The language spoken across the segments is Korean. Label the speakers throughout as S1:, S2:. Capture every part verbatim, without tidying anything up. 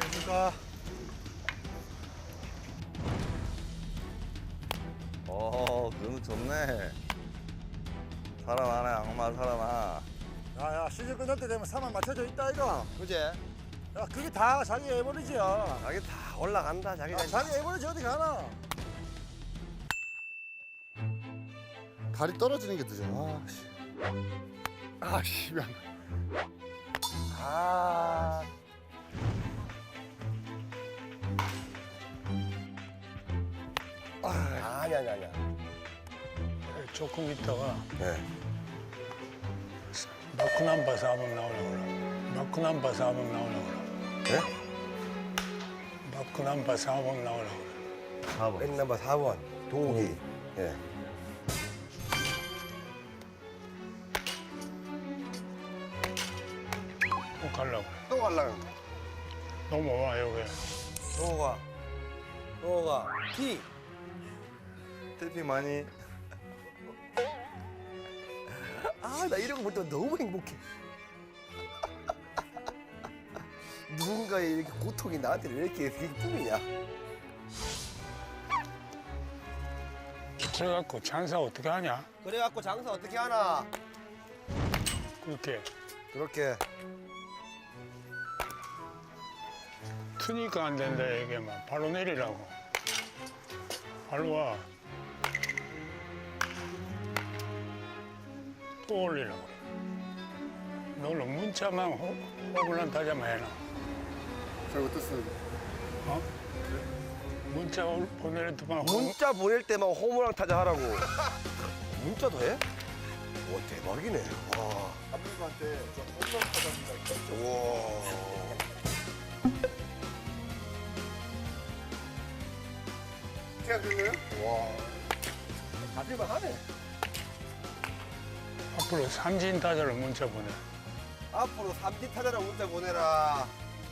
S1: 안녕하십니까.
S2: 어, 그거 좋네. 살아나네, 악마 살아나.
S1: 야야 시즌 끝날 때 되면 사만 맞춰져 있다 이거.
S2: 그지?
S1: 야 그게 다 자기 에버리지야.
S2: 자기 다 올라간다, 자기.
S1: 아, 자기 에버리지 어디 가나.
S3: 다리 떨어지는 게 늦어. 아, 씨. 아, 씨. 미안.
S2: 아. 아, 아니, 아니, 아니야.
S4: 조금 있다가
S2: 네.
S4: 마크남바 사범 나오려고 그래. 마크남바 사범 나오려고 그래.
S2: 네?
S4: 마크남바 사범 나오려고 그래.
S2: 사 번. 백넘버 사 번. 동욱이. 예.
S4: 꼭 가려고 그래.
S2: 또 갈라는.
S4: 넘어와 여기.
S2: 동욱아. 동욱아. 피. 텔피 많이. 아, 나 이런 거 볼 때 너무 행복해. 누군가의 이렇게 고통이 나한테 왜 이렇게 기쁨이냐?
S4: 그래갖고 장사 어떻게 하냐?
S2: 그래갖고 장사 어떻게 하나?
S4: 그렇게
S2: 그렇게.
S4: 트니까 안 된다 이게 막 발로 내리라고. 발로 와. 또 올리라고 그래. 너는 문자만 호, 호불란 타자만 해놔.
S3: 잘못했어요.
S4: 어? 문자 올- 보낼 때만 호,
S2: 문자 보낼 때만 호모랑 타자 하라고. 문자도 해? 와, 대박이네. 와.
S3: 감독님한테 저 홈런 타자입니다.
S2: 와.
S3: 제가 그거요?
S2: 와. 가질만 하네.
S4: 앞으로 삼진 타자로 문자 보내.
S2: 앞으로 삼진 타자라 문자 보내라.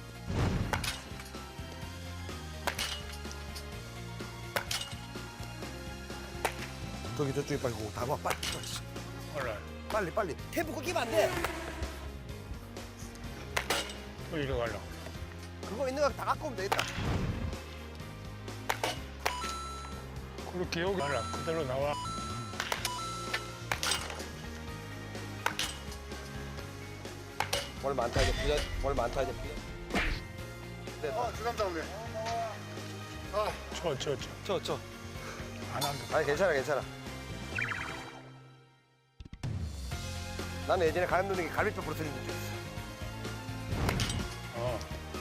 S2: 저기 저쪽에 빨리 고 다가 빨리
S4: 올라.
S2: 빨리 빨리. 템포 끊기면 안 돼.
S4: 또 이리 가려고.
S2: 그거 있는 거 다 갖고 오면 되겠다.
S4: 그렇게 여기 가라. 그대로 나와.
S2: 뭘 많다 이제 부자. 뭘 많다 이제 부자.
S3: 아, 주감독님.
S4: 쳐, 쳐, 쳐.
S2: 쳐 쳐.
S4: 안 한다.
S2: 아니 괜찮아 괜찮아. 나는 예전에 가염동이 갈비뼈 부러뜨린 적 있어.
S4: 어.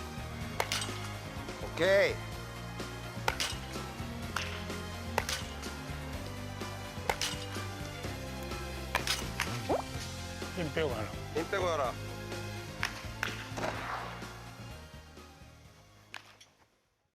S2: 오케이.
S4: 힘 빼고 가라.
S2: 힘 빼고 가라.